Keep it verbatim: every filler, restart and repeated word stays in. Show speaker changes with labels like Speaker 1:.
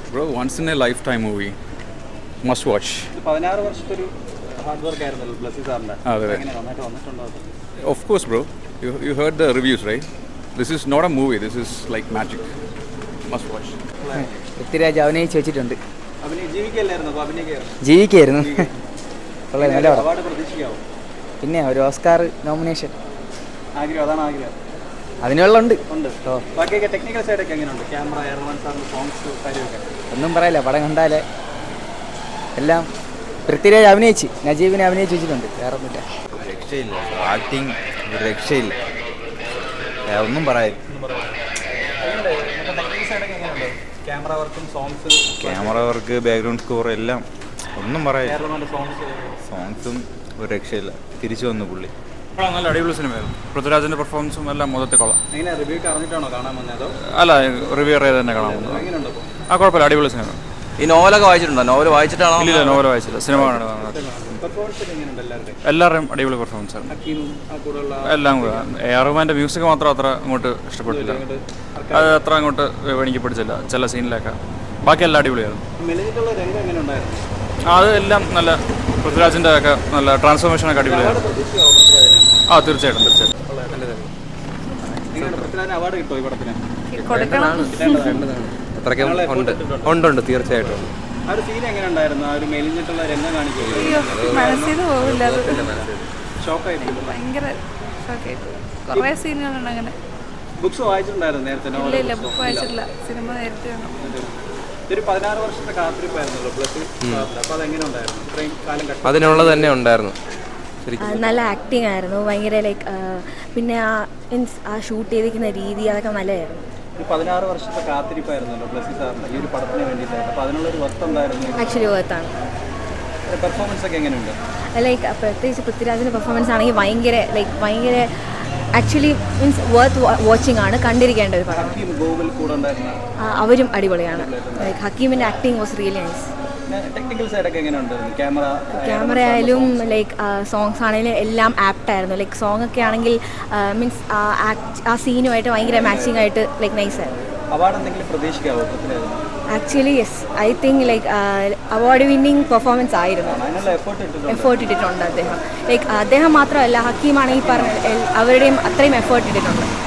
Speaker 1: Bro, once in a lifetime movie. Must watch.
Speaker 2: പതിനാറ് വർഷത്തെ ഒരു ഹാർഡ് വർക്ക് ആയിരുന്നല്ലോ ബ്ലസ്സി സാറിന്റെ.
Speaker 1: അതെ.
Speaker 2: എങ്ങനെ നന്നായിട്ട് വന്നിട്ടുണ്ടോ അത്?
Speaker 1: Of course, bro. You you heard the reviews, right? This is not a movie. This is like magic. Must watch.
Speaker 3: Prithviraj അഭിനയിച്ച് വെച്ചിട്ടുണ്ട്.
Speaker 2: അഭിനയ ജീവിക്കല്ലായിരുന്നു അപ്പോൾ അഭിനയിക്കായിരുന്നു.
Speaker 3: ജീവിക്കായിരുന്നു. കൊള്ളാം, നല്ല പടം.
Speaker 2: അവാർഡ് പ്രതീക്ഷിക്കാവോ?
Speaker 3: പിന്നെ ഒരു ഓസ്കാർ നോമിനേഷൻ
Speaker 2: ആഗ്രഹം, അതാണ് ആഗ്രഹം.
Speaker 3: അതിനുള്ള ഉണ്ട്.
Speaker 2: ഉണ്ട്. ബാക്കിയൊക്കെ ടെക്നിക്കൽ സൈഡൊക്കെ എങ്ങനെയുണ്ട്? ക്യാമറ, എയർമാൻ സാറിന്റെ സോങ്സ് കാര്യമൊക്കെ
Speaker 3: ഒന്നും പറയില്ല, പടം കണ്ടാലേ എല്ലാം. പൃഥ്വിരാജ് അഭിനയിച്ച്, നജീബിനെ അഭിനയിച്ച് വെച്ചിട്ടുണ്ട്. വേറെ ഒന്നുമില്ല.
Speaker 4: രക്ഷയില്ല, ആക്ടിങ് രക്ഷയില്ല, ഒന്നും പറയാൻ.
Speaker 2: ക്യാമറ വർക്കും songs,
Speaker 4: camera work, background score എല്ലാം ഒന്നും പറയാൻ.
Speaker 2: സോങ്സ്
Speaker 4: സോങ്സും ഒരു രക്ഷയില്ല. തിരിച്ചു വന്നു പുള്ളി.
Speaker 1: നല്ല അടിപൊളി സിനിമയായിരുന്നു. പൃഥ്വിരാജിന്റെ പെർഫോമൻസും എല്ലാം മൊത്തത്തിൽ കൊള്ളാം.
Speaker 2: എങ്ങനെ റിവ്യൂ അറിഞ്ഞിട്ടാണോ കാണാൻ വന്നത്?
Speaker 1: അല്ല, റിവ്യൂ ചെയ്ത് തന്നെ കാണാൻ വന്നത്.
Speaker 2: എങ്ങനെയുണ്ട്?
Speaker 1: ആ കുഴപ്പമില്ല, അടിപൊളി സിനിമ.
Speaker 5: ഈ നോവലൊക്കെ വായിച്ചിട്ടുണ്ടോ? നോവൽ വായിച്ചിട്ടാണോ?
Speaker 1: ഇല്ല, നോവൽ വായിച്ചില്ല, സിനിമ കാണുന്നത്.
Speaker 2: പെർഫോമൻസ് എങ്ങനെയുണ്ട് എല്ലാവരുടെയും?
Speaker 1: എല്ലാവരുടെയും അടിപൊളി പെർഫോമൻസ് ആണ്.
Speaker 2: ഹക്കീമും ആ കൂടെയുള്ള
Speaker 1: എല്ലാം കൂടെ. എ ആർ റഹ്മാൻ്റെ മ്യൂസിക് മാത്രം അത്ര അങ്ങോട്ട് ഇഷ്ടപ്പെട്ടില്ല. അത് അത്ര അങ്ങോട്ട് എനിക്ക് പിടിച്ചില്ല ചില സീനിലൊക്കെ. ബാക്കി എല്ലാം അടിപൊളിയായിരുന്നു.
Speaker 2: മെലിഞ്ഞിട്ടുള്ള രംഗം എങ്ങനെ ഉണ്ടായിരുന്നു?
Speaker 1: അത് എല്ലാം നല്ല, പൃഥ്വിരാജിൻ്റെ ഒക്കെ നല്ല ട്രാൻസ്ഫോർമേഷനൊക്കെ അടിപൊളിയായിരുന്നു. ആ, തീർച്ചയായിട്ടും തീർച്ചയായിട്ടും.
Speaker 2: അവാർഡ് കിട്ടുമോ ഈ പടത്തിന്?
Speaker 6: അത്രയ്ക്കും ഉണ്ട് ഉണ്ട് തീർച്ചയായിട്ടും.
Speaker 2: ആ ഒരു സീൻ എങ്ങനെ ഉണ്ടായിരുന്നു? ആ ഒരു മെലിഞ്ഞിട്ടുള്ള രംഗം കാണിക്കുന്നത്
Speaker 7: മനസ്സിന് പോകില്ല, അത്
Speaker 2: ഷോക്കായിട്ട്
Speaker 7: ഭയങ്കര ഷോക്കായിട്ട്. കുറേ സീനുകളുണ്ട് അങ്ങനെ.
Speaker 2: ബുക്സ് വായിച്ചിട്ടുണ്ടായിരുന്നു നേരത്തെ?
Speaker 7: ഇല്ല ഇല്ല, ബുക്ക് വായിച്ചിട്ടില്ല, സിനിമ നേരത്തെ കാണാം.
Speaker 2: ഒരു പതിനാറ് വർഷത്തെ കാത്തിരിപ്പായിരുന്നല്ലോ ബ്ലസ്സി. അപ്പോൾ അതെങ്ങനെ ഉണ്ടായിരുന്നു? ഇത്രയും കാലം കഷ്ട
Speaker 6: അതിനുള്ളത് തന്നെ ഉണ്ടായിരുന്നു.
Speaker 8: നല്ല ആക്ടിങ് ആയിരുന്നു, ഭയങ്കര ലൈക്ക്. പിന്നെ ആ മീൻസ് ആ ഷൂട്ട് ചെയ്തിരിക്കുന്ന രീതി അതൊക്കെ നല്ലതായിരുന്നു.
Speaker 2: ഒരു പതിനാറ് വർഷത്തെ കാത്തിരിപ്പായിരുന്നല്ലോ ബ്ലസ്സി സാറിന് ഈ ഒരു പടത്തിന് വേണ്ടിയിട്ടായിരുന്നു. അപ്പോൾ അതിനുള്ളൊരു വർത്ത് ഉണ്ടായിരുന്നു.
Speaker 8: ആക്ച്വലി വർത്താണ്.
Speaker 2: പെർഫോമൻസ് ഒക്കെ എങ്ങനെയുണ്ട്?
Speaker 8: ലൈക്ക് പ്രത്യേകിച്ച് പൃഥ്വിരാജിൻ്റെ പെർഫോമൻസ് ആണെങ്കിൽ ഭയങ്കര ലൈക്ക് ഭയങ്കര ആക്ച്വലി മീൻസ് വർത്ത് വാച്ചിങ് ആണ്, കണ്ടിരിക്കേണ്ട ഒരു പടം.
Speaker 2: ഹക്കീം, ഗോകുൽ കൂടെ ഉണ്ടായിരുന്ന
Speaker 8: അവരും അടിപൊളിയാണ്. ലൈക്ക് ഹക്കീമിൻ്റെ acting was really nice.
Speaker 2: Technical സൈഡൊക്കെ എങ്ങനെയുണ്ട്? ക്യാമറ
Speaker 8: ക്യാമറ ആയാലും ലൈക്ക് സോങ്സ് ആണെങ്കിലും എല്ലാം ആപ്റ്റ് ആയിരുന്നു. ലൈക്ക് സോങ് ഒക്കെ ആണെങ്കിൽ മീൻസ് ആ സീനുമായിട്ട് ഭയങ്കര മാച്ചിങ് ആയിട്ട് ലൈക്ക് നൈസ് ആയിരുന്നു.
Speaker 2: അവാർഡ് എന്തെങ്കിലും പ്രതീക്ഷിക്കാവോ?
Speaker 8: Actually yes, I think like award winning performance ആയിരുന്നു.
Speaker 2: അതിനുള്ള എഫേർട്ട് ഇട്ടിട്ടുണ്ട്.
Speaker 8: എഫേർട്ട് ഇട്ടിട്ടുണ്ട് അദ്ദേഹം. ലൈക്ക് അദ്ദേഹം മാത്രമല്ല, ഹക്കീമാണെങ്കിൽ പറഞ്ഞ അവരുടെയും അത്രയും എഫേർട്ട് ഇട്ടിട്ടുണ്ട്.